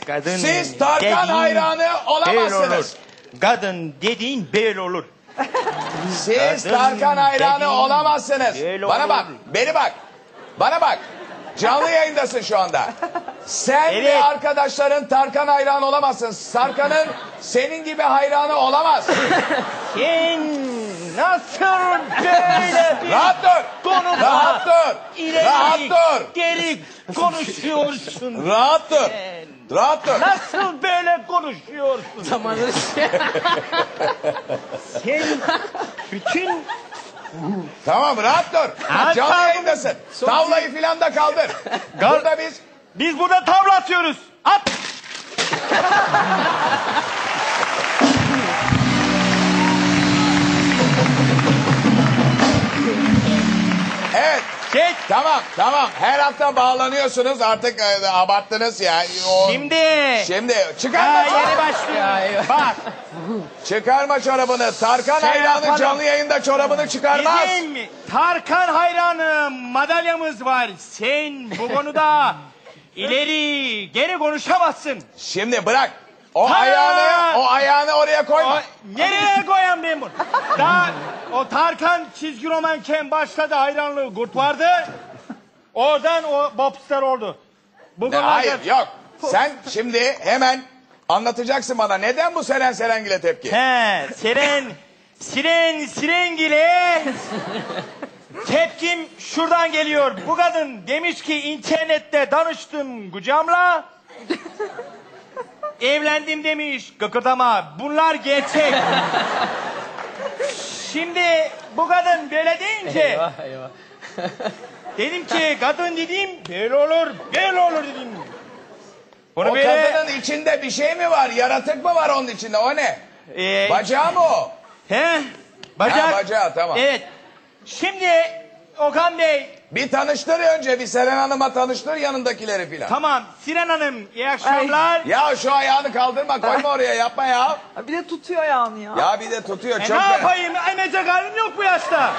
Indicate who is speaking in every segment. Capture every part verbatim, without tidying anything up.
Speaker 1: Kadın
Speaker 2: Siz Tarkan
Speaker 1: dediğin
Speaker 2: hayranı
Speaker 1: Böyle
Speaker 2: olamazsınız.
Speaker 1: olur. Kadın dediğin böyle olur.
Speaker 2: Siz
Speaker 1: Kadın
Speaker 2: Tarkan hayranı
Speaker 1: dediğin
Speaker 2: olamazsınız.
Speaker 1: böyle
Speaker 2: Bana
Speaker 1: olur.
Speaker 2: bak, beni bak. Bana bak. Canlı yayındasın şu anda. Sen
Speaker 1: Evet.
Speaker 2: ve arkadaşların Tarkan hayranı olamazsın. Tarkan'ın senin gibi hayranı olamaz.
Speaker 1: Sen nasıl böyle bir
Speaker 2: Rahat dur.
Speaker 1: konuda
Speaker 2: Rahat dur.
Speaker 1: ileri
Speaker 2: Rahat dur.
Speaker 1: geri konuşuyorsun?
Speaker 2: Rahat dur.
Speaker 1: Sen
Speaker 2: Rahat dur.
Speaker 1: nasıl böyle konuşuyorsun?
Speaker 3: Zamanı
Speaker 1: Sen bütün
Speaker 2: Tamam rahat dur.
Speaker 1: Ha,
Speaker 2: Canlı
Speaker 1: tamam.
Speaker 2: yayındasın. Tavlayı filan da kaldır. Burada biz...
Speaker 1: biz burada tavla atıyoruz. At.
Speaker 2: Evet.
Speaker 1: Çek.
Speaker 2: Tamam tamam. Her hafta bağlanıyorsunuz. Artık e, abarttınız ya. O...
Speaker 1: Şimdi.
Speaker 2: Şimdi
Speaker 1: Ha,
Speaker 2: çıkarma
Speaker 1: yeni
Speaker 2: çorabını.
Speaker 1: başlıyor. Bak.
Speaker 2: Çıkarma çorabını. Tarkan
Speaker 1: Şey
Speaker 2: hayranı
Speaker 1: yapalım.
Speaker 2: canlı yayında çorabını çıkarmaz.
Speaker 1: Bizim Tarkan hayranı madalyamız var. Sen bu konuda ileri geri konuşamazsın.
Speaker 2: Şimdi bırak. O
Speaker 1: Ha!
Speaker 2: ayağını o ayağını oraya koyma.
Speaker 1: O, nereye koyayım ben bunu? Daha o Tarkan çizgi romanken başladı, hayranlığı kurt vardı. Oradan o popstar oldu. Bu
Speaker 2: Ne,
Speaker 1: konularda-
Speaker 2: hayır yok. Sen şimdi hemen anlatacaksın bana neden bu Seren Serengil'e tepki?
Speaker 1: He, siren, siren, sirengile. Tepkim şuradan geliyor. Bu kadın demiş ki internette danıştım kucamla. Evlendim demiş, gıkırdama. Bunlar gerçek. Şimdi bu kadın böyle deyince
Speaker 3: Eyvah eyvah.
Speaker 1: dedim ki kadın dediğim böyle olur, böyle olur dedim. Bunu
Speaker 2: O
Speaker 1: böyle
Speaker 2: kadının içinde bir şey mi var? Yaratık mı var onun içinde? O ne?
Speaker 1: e,
Speaker 2: Bacağı mı o?
Speaker 1: he, bacak.
Speaker 2: Ha, bacağı tamam.
Speaker 1: Evet. Şimdi Okan Bey,
Speaker 2: Bir tanıştır önce bir Seren Hanım'a tanıştır yanındakileri filan.
Speaker 1: tamam Sinan Hanım iyi akşamlar.
Speaker 2: Ya şu ayağını kaldırma koyma oraya yapma ya.
Speaker 4: Bir de tutuyor ayağını ya.
Speaker 2: Ya bir de tutuyor
Speaker 1: E
Speaker 2: çok
Speaker 1: ne
Speaker 2: be.
Speaker 1: yapayım? Emecek halim yok bu yaşta.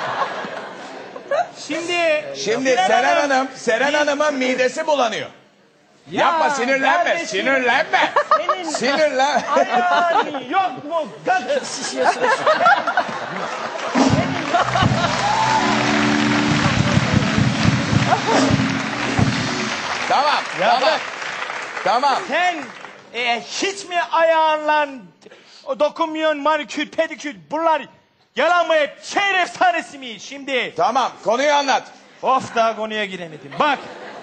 Speaker 1: Şimdi
Speaker 2: Şimdi
Speaker 1: Sinan
Speaker 2: Seren Hanım, Seren
Speaker 1: biz-
Speaker 2: Hanım'ın midesi bulanıyor. Yapma sinirlenme,
Speaker 1: kardeşim,
Speaker 2: sinirlenme.
Speaker 1: Senin
Speaker 2: Sinirlen.
Speaker 1: ayağın yok mu? Kadın.
Speaker 2: Tamam, tamam.
Speaker 1: bırak.
Speaker 2: Tamam.
Speaker 1: Sen e, hiç mi ayağınla dokunmuyorsun manikür, pedikür bunlar yalan mı hep? Şehir efsanesi mi şimdi?
Speaker 2: Tamam, konuyu anlat.
Speaker 1: Of daha konuya giremedim. Bak.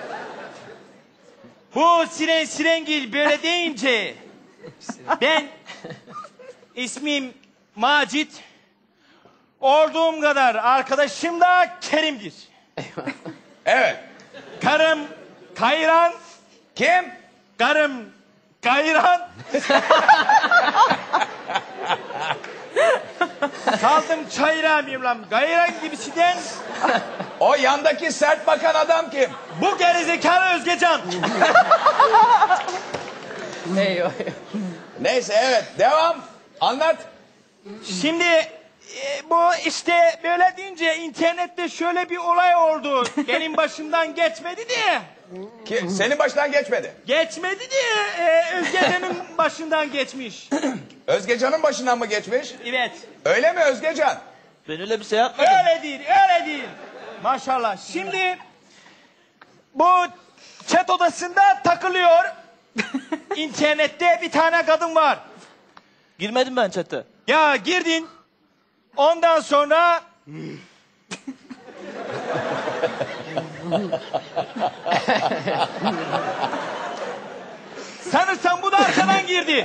Speaker 1: Bu Siren Sirengil böyle deyince ben ismim Macit. Olduğum kadar arkadaşım da Kerim'dir.
Speaker 2: Evet.
Speaker 1: Karım Kayran,
Speaker 2: Kim?
Speaker 1: karım Kayran. Saldım çayıra mıyım lan? Gayran gibisinden
Speaker 2: O yandaki sert bakan adam kim?
Speaker 1: bu gerizekalı Özgecan.
Speaker 3: Eyvah eyvah.
Speaker 2: Neyse evet, devam. Anlat.
Speaker 1: Şimdi e, bu işte böyle deyince internette şöyle bir olay oldu. Benim başımdan geçmedi diye.
Speaker 2: Ki, senin baştan geçmedi.
Speaker 1: Geçmedi diye e, Özgecan'ın başından geçmiş.
Speaker 2: Özgecan'ın başından mı geçmiş?
Speaker 1: Evet.
Speaker 2: Öyle mi Özgecan?
Speaker 3: Ben öyle bir şey yapmadım.
Speaker 1: Öyle değil, öyle değil. Maşallah. Şimdi bu chat odasında takılıyor. İnternette bir tane kadın var.
Speaker 3: Girmedim ben chat'e.
Speaker 1: Ya girdin. Ondan sonra sanırsam bu da arkadan girdi.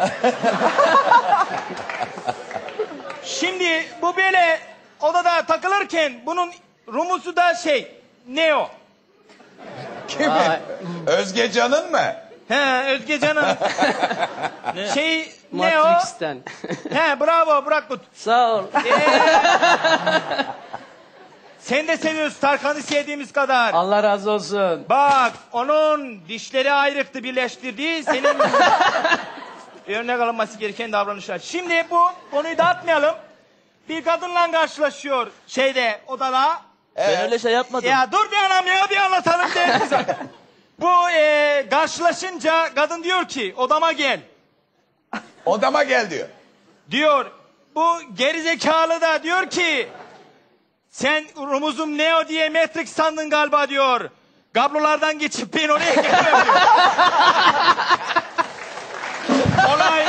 Speaker 1: Şimdi bu böyle odada takılırken bunun rumusu da şey Neo.
Speaker 2: Kimin?
Speaker 3: Aa.
Speaker 2: Özgecan'ın mı?
Speaker 1: He Özgecan'ın şey Neo.
Speaker 3: Matrix'ten.
Speaker 1: He bravo Burak.
Speaker 3: Sağ ol.
Speaker 1: Sen de seviyorsun Tarkan'ı sevdiğimiz kadar.
Speaker 3: Allah razı olsun.
Speaker 1: Bak onun dişleri ayrıktı birleştirdi. Senin örnek alınması gereken davranışlar. Şimdi bu konuyu dağıtmayalım. Bir kadınla karşılaşıyor şeyde odada.
Speaker 3: Ben öyle şey yapmadım.
Speaker 1: Ya dur bir anam ya bir anlatalım değil mi zaten? Bu e, karşılaşınca kadın diyor ki odama gel.
Speaker 2: Odama gel diyor.
Speaker 1: Diyor. Bu gerizekalı da diyor ki sen rumuzum Neo diye Matrix sandın galiba diyor. Kablolardan geçip ben oraya getiriyorum diyor. Olay...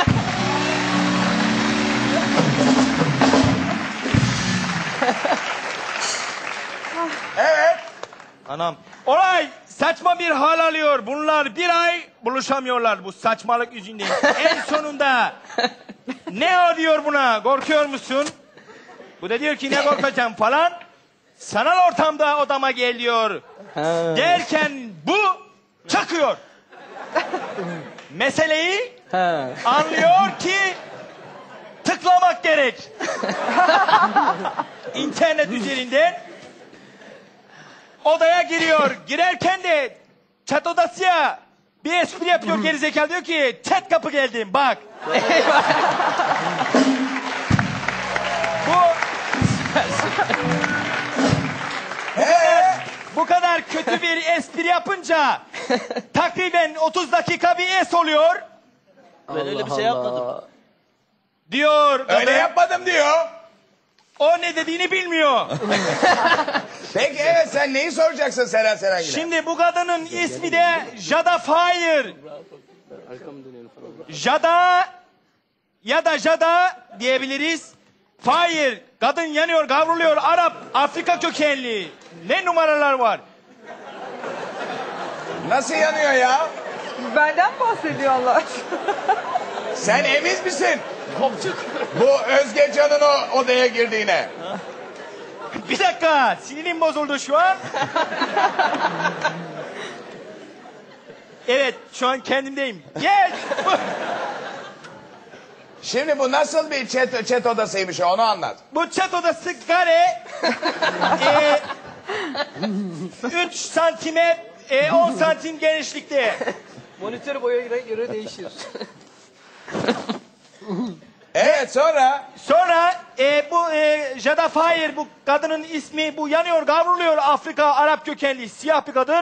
Speaker 2: Evet.
Speaker 1: Anam. Olay saçma bir hal alıyor. Bunlar bir ay buluşamıyorlar bu saçmalık yüzünden. En sonunda Neo diyor buna, korkuyor musun? Bu da diyor ki ne korkacağım falan. Sanal ortamda odama gel diyor. Derken bu çakıyor. Meseleyi
Speaker 3: Ha.
Speaker 1: anlıyor ki tıklamak gerek. İnternet üzerinden odaya giriyor. Girerken de chat odası ya bir espri yapıyor gerizekalı diyor ki chat kapı geldim bak. Bu
Speaker 2: Ee,
Speaker 1: bu kadar kötü bir espri yapınca takriben otuz dakika bir es oluyor.
Speaker 3: Ben öyle bir şey yapmadım.
Speaker 1: Diyor
Speaker 2: öyle
Speaker 1: kadın.
Speaker 2: yapmadım diyor.
Speaker 1: O ne dediğini bilmiyor.
Speaker 2: Peki evet sen neyi soracaksın Seren Serengil'e?
Speaker 1: Şimdi bu kadının ismi de Jada Fire. Jada ya da Jada diyebiliriz. Fire. Kadın yanıyor, kavruluyor. Arap, Afrika kökenli. Ne numaralar var?
Speaker 2: Nasıl yanıyor ya?
Speaker 4: Benden bahsediyor Allah aşkına.
Speaker 2: Sen emin misin? Bu Özge Can'ın o odaya girdiğine.
Speaker 1: Bir dakika, sinirim bozuldu şu an. Evet, şu an kendimdeyim. Gel.
Speaker 2: Şimdi bu nasıl bir chat, chat odasıymış onu anlat.
Speaker 1: Bu chat odası kare. e, üç santime e, on santim genişlikte.
Speaker 3: Monitör boyuna göre değişir.
Speaker 2: Evet sonra?
Speaker 1: Sonra e, bu e, Jada Fire bu kadının ismi bu yanıyor kavruluyor Afrika Arap kökenli siyah bir kadın.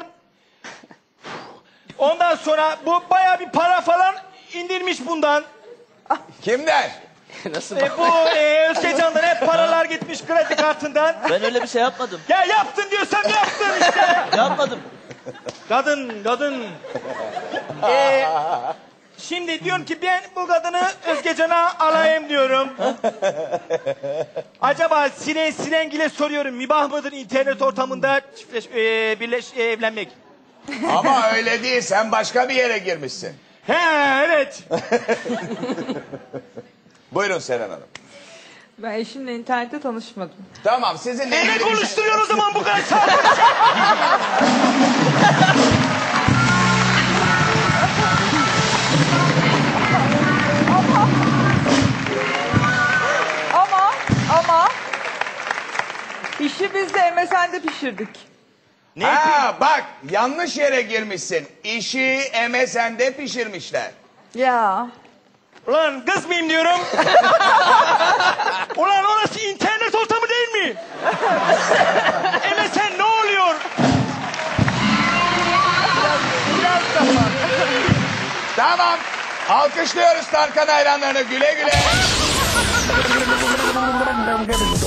Speaker 1: Ondan sonra bu baya bir para falan indirmiş bundan.
Speaker 2: Kimden?
Speaker 3: Nasıl
Speaker 1: E,
Speaker 3: bak?
Speaker 1: bu e, Özgecan'dan hep paralar gitmiş kredi kartından.
Speaker 3: Ben öyle bir şey yapmadım.
Speaker 1: Ya yaptın diyorsam yaptın işte.
Speaker 3: Yapmadım.
Speaker 1: Kadın, kadın. Ee, şimdi diyorum ki ben bu kadını Özgecan'a alayım diyorum. Acaba Siren Sirengil'e soruyorum. Mübah mıdır internet ortamında çiftleş, e, birleş, e, evlenmek?
Speaker 2: Ama öyle değil sen başka bir yere girmişsin.
Speaker 1: He evet.
Speaker 2: Buyurun Seren Hanım.
Speaker 4: Ben eşimle internette tanışmadım.
Speaker 2: Tamam sizinle
Speaker 1: E, ne
Speaker 2: ilgili bir şey-
Speaker 1: konuşturuyor o zaman bu kadar saat?
Speaker 4: Ama ama işi biz de M S N'de pişirdik.
Speaker 1: Ne?
Speaker 2: Ha bak yanlış yere girmişsin. İşi M S N'de pişirmişler.
Speaker 4: Ya.
Speaker 1: Ulan kız mıyım diyorum. Ulan orası internet ortamı değil mi? M S N ne oluyor?
Speaker 2: Tamam. Alkışlıyoruz Tarkan hayranlarını güle güle.